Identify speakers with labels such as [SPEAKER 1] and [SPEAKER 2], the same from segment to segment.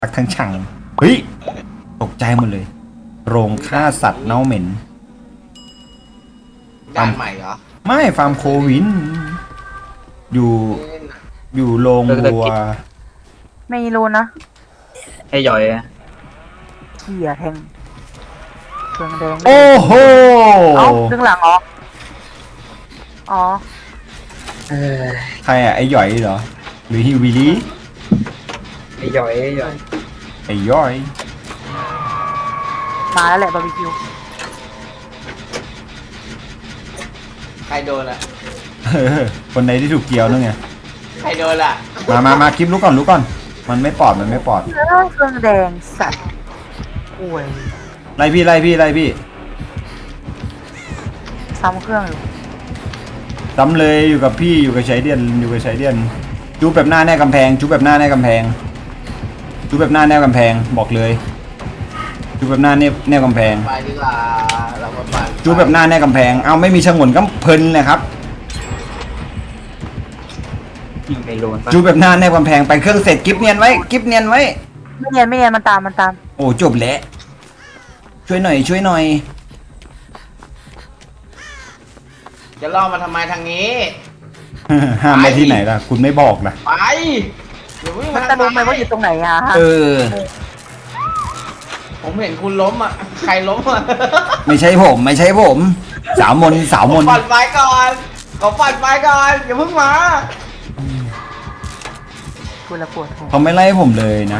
[SPEAKER 1] ทักทั้งช่างเฮ้ยตกใจหมดเลย โรงฆ่าสัตว์เน่าเหม็น
[SPEAKER 2] ด่านใหม่เหรอ
[SPEAKER 1] ไม่ฟาร์มโควิน อยู่อยู่โรงวัว
[SPEAKER 3] ไม่รู้นะ
[SPEAKER 4] ให้ย่อยอะ
[SPEAKER 3] เขี่ยแทงเครื่องแดง
[SPEAKER 1] โอ้โห
[SPEAKER 3] เอ้าดึงหลังออกอ๋อ
[SPEAKER 1] ใครอะไอ้หย่อยเหรอ หรือฮิวบิลี่
[SPEAKER 4] ให้ย่อยให้ย่อย
[SPEAKER 1] ไอ้ย่อย
[SPEAKER 3] มาแล้วแหละบาร์บีคิว
[SPEAKER 2] ใครโดนอ่ะ
[SPEAKER 1] คนใดที่ถูกเกี่ยวนั่นไง
[SPEAKER 2] ใครโดนอ่ะ
[SPEAKER 1] มาคลิปรู้ก่อนรู้ก่อน มันไม่ปลอดมันไม่ปลอด
[SPEAKER 3] เครื่องแดงสัตว์โอ้ย
[SPEAKER 1] ไล่พี่ไล่พี่ไล่พี่
[SPEAKER 3] ซ้ำเครื่องอยู่
[SPEAKER 1] ซ้ำเลยอยู่กับพี่อยู่กับชายเดียนอยู่กับชายเดียนจูบแบบหน้าแน่กำแพงจูบแบบหน้าแน่กำแพงจูบแบบหน้าแน่กำแพงบอกเลยจูบแบบหน้าแน่กำแพง
[SPEAKER 2] ไปดีกว่าเรามาปั่น
[SPEAKER 1] จูบแบบหน้าแน่กำแพงเอาไม่มีฉงนก็เพลินเลยครับ
[SPEAKER 4] ยิงในโลนปะ
[SPEAKER 1] จูบแบบหน้าแน่กำแพงไปเครื่องเสร็จกิฟเนียนไว้กิฟเนียนไว้
[SPEAKER 3] ไม่เนียนไม่เนียนมันตามมันตาม
[SPEAKER 1] โอ้จบแล้วช่วยหน่อยช่วยหน่อย
[SPEAKER 2] จะล่อมาทำไมทางนี้
[SPEAKER 1] ห้ามไปที่ไหนล่ะคุณไม่บอกนะ
[SPEAKER 2] ไปอย่าวิ่ง
[SPEAKER 3] มั
[SPEAKER 2] มาน
[SPEAKER 3] จะรู้ไหมว่าอยู่ตรงไหนอ่ะ
[SPEAKER 1] เออ
[SPEAKER 2] ผมเห็นคุณล้มอ่ะ ใครล้มอ่ะ
[SPEAKER 1] ไม่ใช่ผมไม่ใช่ผม สาวมนสาวมน
[SPEAKER 2] ปั่นไฟก่อนขอปั่นไฟก่อนอย่าเพิ่งมา
[SPEAKER 3] กูละปวดหัว
[SPEAKER 1] เขาไม่ไล่ผมเลยนะ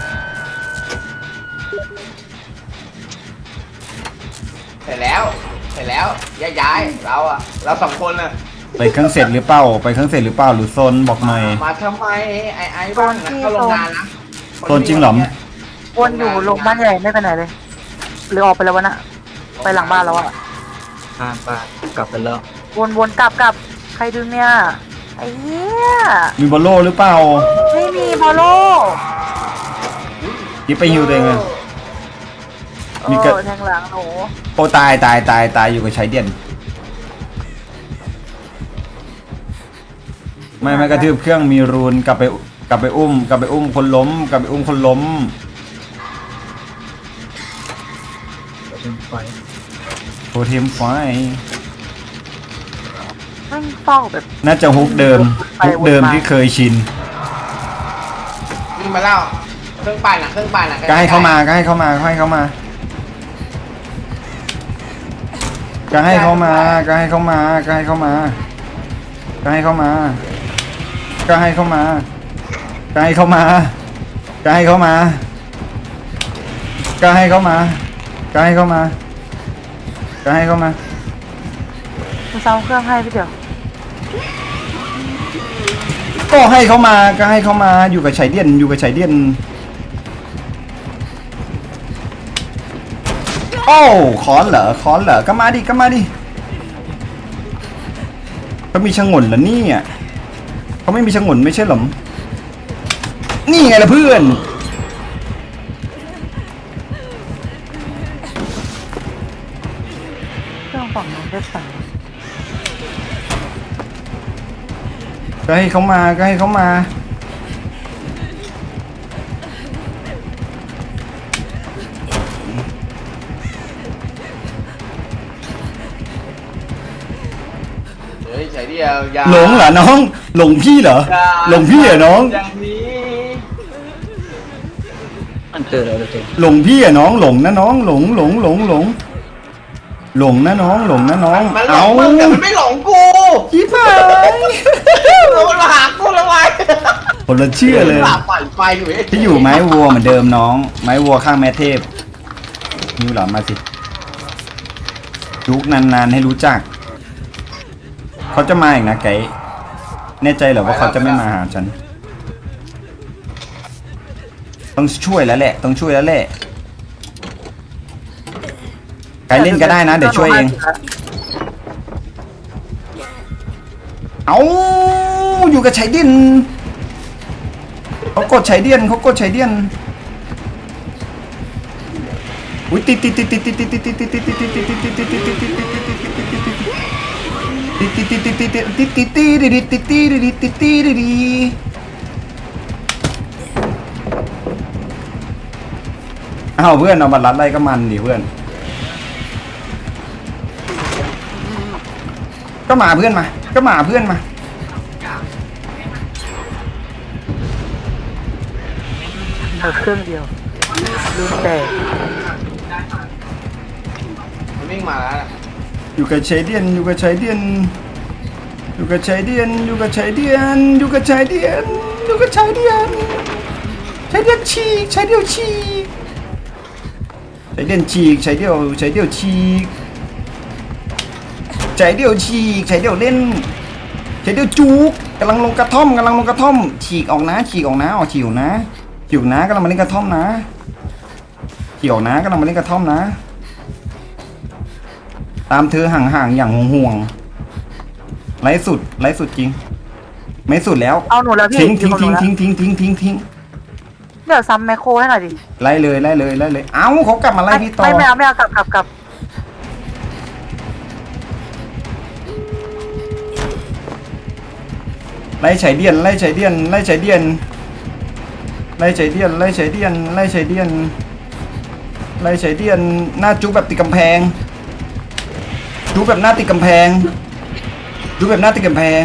[SPEAKER 2] เสร็จแล้วเสร็จแล้วย้ายเราอ่ะเราสองคนอ่ะ
[SPEAKER 1] ไปเครื่องเสร็จหรือเปล่าไปเครื่องเสร็จหรือเปล่าหรือโซนบอกหน่อย
[SPEAKER 2] มาทำไมไอ้บ้านนะเข้าโรงงานนะ
[SPEAKER 1] โซนจริงเหรอ
[SPEAKER 3] วนอยู่โรงบ้านใหญ่ไม่ไปไหนเลย หรือออกไปแล้ววะน่ะไปหลังบ้านแล้วอ่ะ
[SPEAKER 4] ข้ามบ้านกลับไปแล้ว
[SPEAKER 3] วนกลับใครดึงเนี่ยไอ้เหี้ย
[SPEAKER 1] มีบอลโล่หรือเปล่า
[SPEAKER 3] ไม่มีบอลโล
[SPEAKER 1] ยิบไปฮิวตัวเองเลย มีกระ
[SPEAKER 3] แทงหลังหนู
[SPEAKER 1] โอ้ตายตายอยู่กับชายเดียนไม่กระทืบเครื่องมีรูนกลับไปอุ้มคนล้มกลับไปอุ้มคนล้ม
[SPEAKER 4] เดี๋ยวเป็นไฟ
[SPEAKER 1] โทเทมไฟ
[SPEAKER 3] ไม่เฝ้าแบบ
[SPEAKER 1] น่าจะฮุกเดิมที่เคยชิน
[SPEAKER 2] วิ่งมาแล้วเครื่องปั่นอ่ะเครื่องปั่นอ่ะ
[SPEAKER 1] ก็ให้เข้ามาก็ให้เข้ามาก็ให้เข้ามาก็ให้เข้ามาก็ให้เข้ามาก็ให้เข้ามาก็ให้เข้ามาก็ให้เข้ามาก็ให้เข้ามาก็ให้เข้ามาก็ให้เข้ามาก็ให้เข้ามาก็ให้เข้ามา
[SPEAKER 3] กูซ้ำเครื่องให้พี่เดี๋ยว
[SPEAKER 1] ก็ให้เข้ามาก็ให้เข้ามาอยู่กับชายเดียนอยู่กับชายเดียนโอ้คอนเหรอก็มาดิก็มาดิเขามีชงนเหรอเนี่ยเขาไม่มีชงนไม่ใช่หรอนี่ไงล่ะเพื่อน
[SPEAKER 3] เครื่องฝั่งนู้นได้สั่ง
[SPEAKER 1] ก็ให้เขามาก็ให้เขามา
[SPEAKER 2] เฮ้ยใส่เดียวอย่า
[SPEAKER 1] หลงเหรอน้องหลงพี่เหรอ
[SPEAKER 2] อย่า
[SPEAKER 1] หลงพี่เหรอน้อง
[SPEAKER 2] อย่างนี้
[SPEAKER 4] มันเจอแล้วเจอ
[SPEAKER 1] หลงพี่อะน้องหลงนะน้องหลงนะน้องหลงนะน้อง
[SPEAKER 2] มันหล
[SPEAKER 1] เอา
[SPEAKER 2] งมึงแต่มันไม่หลงกู
[SPEAKER 1] ยี่ห้า
[SPEAKER 2] เรามาหากูแล้วไง
[SPEAKER 1] คนละเชื่อเลย
[SPEAKER 2] หลับปั่นไฟอยู่
[SPEAKER 1] ที่อยู่ไม้วัวเหมือนเดิมน้อง ไม้วัวข้างแม่เทพนิ้วหลังมาสิจุกนานๆให้รู้จักเขาจะมาอีกนะไก่แน่ใจเหรอว่าเขาจะไม่มาหาฉันต้องช่วยแล้วแหละต้องช่วยแล้วแหละไก่เล่นก็ได้นะเดี๋ยวช่วยเองเอาอยู่กับชายเดียนเขากดชายเดียนอุ้ยติดอ้าวเพื่อนเอามารัดอะไรก็มันดิเพื่อนก็มาเพื่อนมาก็มาเพื่อนมา
[SPEAKER 3] เครื่องเดียวลืมแต่
[SPEAKER 2] มันวิ่งมาแล้ว
[SPEAKER 1] อยู่กับชายเดียนอยู่กับชายเดียนอยู่กับชายเดียนอยู่กับชายเดียนอยู่กับชายเดียนอยู่กับชายเดียนชายเดียนฉีกชายเดียวฉีกชายเดียนฉีกชายเดียวฉีกชายเดียวฉีกชายเดียวเล่นชายเดียวจุกกำลังลงกระท่อมฉีกออกนะฉีกออกนะฉีกออกนะฉีกออกนะกำลังมาเล่นกระท่อมนะฉีกออกนะกำลังมาเล่นกระท่อมนะตามเธอห่างๆอย่างห่วงๆไร้สุดจริงไม่สุดแล้ว
[SPEAKER 3] เอาหนูแล้วพี่
[SPEAKER 1] ทิ้ง
[SPEAKER 3] อยู่กับหนูแล้ว
[SPEAKER 1] ทิ้ง
[SPEAKER 3] เดี๋ยวซ้ำแมคโครให้หน่อยดิ
[SPEAKER 1] ไล่เลยเอ้าเขากลับมาไล่พี่ต่อ
[SPEAKER 3] ไม่เอากลับ
[SPEAKER 1] ไล่ฉายเดียนหน้าจุ๊บแบบติดกำแพงจุ๊บแบบหน้าติดกำแพงจุ๊บแบบหน้าติดกำแพง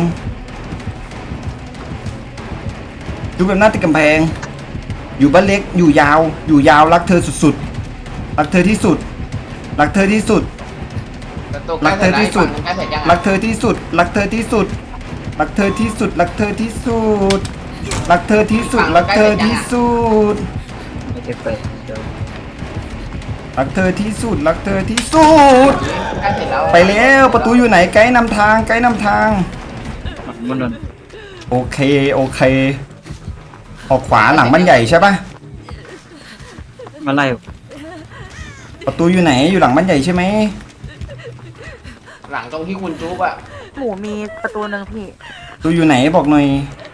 [SPEAKER 1] จุ๊บแบบหน้าติดกำแพงอยู่บ้านเล็กอยู่ยาวรักเธอสุดๆรักเธอที่สุดรักเธอที่สุด
[SPEAKER 2] ประตูใกล้เสร็จแล้วอีกฝั่งหนึ่งใกล้เสร็จยัง
[SPEAKER 1] รักเธอที่สุดรักเธอที่สุดรักเธอที่สุดรักเธอที่สุดรักเธอที่สุดรักเธอที่สุด
[SPEAKER 4] ไม่ได้เปิดเดี๋ยว
[SPEAKER 1] รักเธอที่สุดรักเธอที่สุด
[SPEAKER 2] ใกล้เสร็จแล้ว
[SPEAKER 1] ไปแล้วประตูอยู่ไหนไกด์นำทาง
[SPEAKER 4] มันนน
[SPEAKER 1] โอเคออกขวาหลังบ้านใหญ่ใช่ปะ
[SPEAKER 4] มาไล่
[SPEAKER 1] ประตูอยู่ไหนอยู่หลังบ้านใหญ่ใช่ไหม
[SPEAKER 2] หลังตรงที่คุณจุ๊บอะ
[SPEAKER 3] หมูมีประตูหนึ่งพี่
[SPEAKER 1] ประตูอยู่ไหนบอกหน่อย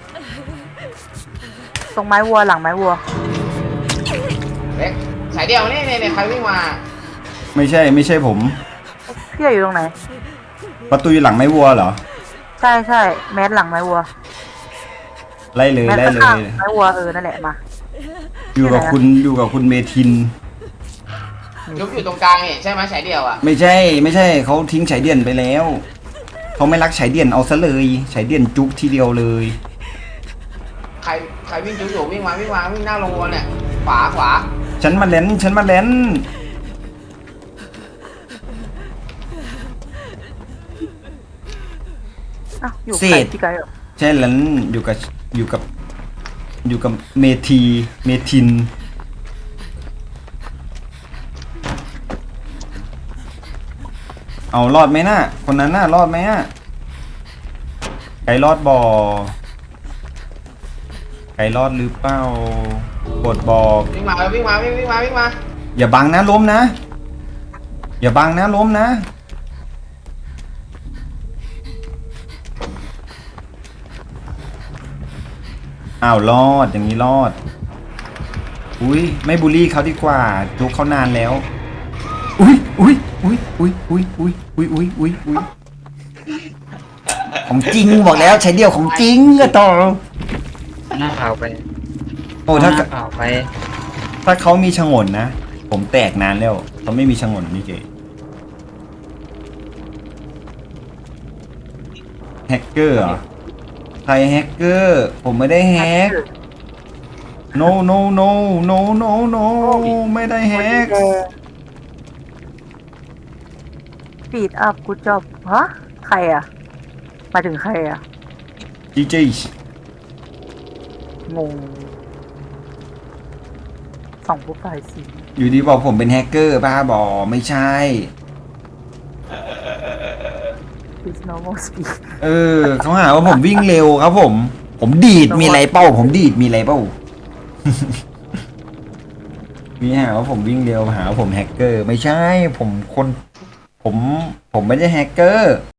[SPEAKER 3] ตรงไม้วัวหลังไม้วัว
[SPEAKER 2] เล็กสายเดียวนี่ใครวิ่งมา
[SPEAKER 1] ไม่ใช่ผม
[SPEAKER 3] พี่อยู่ตรงไหน
[SPEAKER 1] ประตูอยู่หลังไม้วัวเหรอ
[SPEAKER 3] ใช่แมสหลังไม้วัว
[SPEAKER 1] ไล่เลย
[SPEAKER 3] แมสข้างๆไม้วัวนั่นแหละมา
[SPEAKER 1] อยู่กับคุณเมทิน
[SPEAKER 2] จุ๊บอยู่ตรงกลางเห็นใช่ไหมสายเดียวอะ
[SPEAKER 1] ไม่ใช่เขาทิ้งฉายเดียนไปแล้วเขาไม่รักฉายเดียนเอาซะเลยฉายเดียนจุกทีเดียวเลย
[SPEAKER 2] ใครวิ่งจุ๊บอยู่วิ่งมาวิ่งหน้าลงวัวเนี่ยขวา
[SPEAKER 1] ฉันมาเล่น
[SPEAKER 3] อ้าวอยู่
[SPEAKER 1] เศ
[SPEAKER 3] ไกล
[SPEAKER 1] ษ
[SPEAKER 3] พี่ไกลเหรอ
[SPEAKER 1] ใช่แล้วอยู่กับเมทินเอารอดไหมน่ะคนนั้นน่ะรอดไหมอ่ะไก่รอดบ่อไก่รอดหรือเปล่ากดบอก
[SPEAKER 2] วิ่งมา
[SPEAKER 1] อย่าบังนะล้มนะอย่าบังนะล้มนะอ้าวรอดอย่างนี้รอดอุ้ยไม่บูลลี่เขาดีกว่าจุกเขานานแล้วอุ้ยของจริงบอกแล้วใช้เดียวของจริงอะต่อ
[SPEAKER 4] หน้าเผาไป
[SPEAKER 1] โอ้ถ้า
[SPEAKER 4] หน้าเผาไป
[SPEAKER 1] เขามีฉงนนะผมแตกนานแล้วเขาไม่มีฉงนนี่เก๋แฮกเกอร์เหรอใครแฮกเกอร์ผมไม่ได้แฮก no ไม่ได้แฮก
[SPEAKER 3] ปีดอัพกูจอบฮะใครอ่ะมาถึงใครอ่ะ
[SPEAKER 1] GG
[SPEAKER 3] งงสองผู้ฝ่ายสี
[SPEAKER 1] อยู่ดีบอกผมเป็นแฮกเกอร์บ้าบอไม่ใช่
[SPEAKER 3] is normal speed
[SPEAKER 1] เขาหาว่าผมวิ่งเร็วครับผมดีดมีอะไรเป้าผมดีดมีอะไรเป้า มีหาว่าผมวิ่งเร็วหาว่าผมแฮกเกอร์ไม่ใช่ผมไม่ได้แฮกเกอร์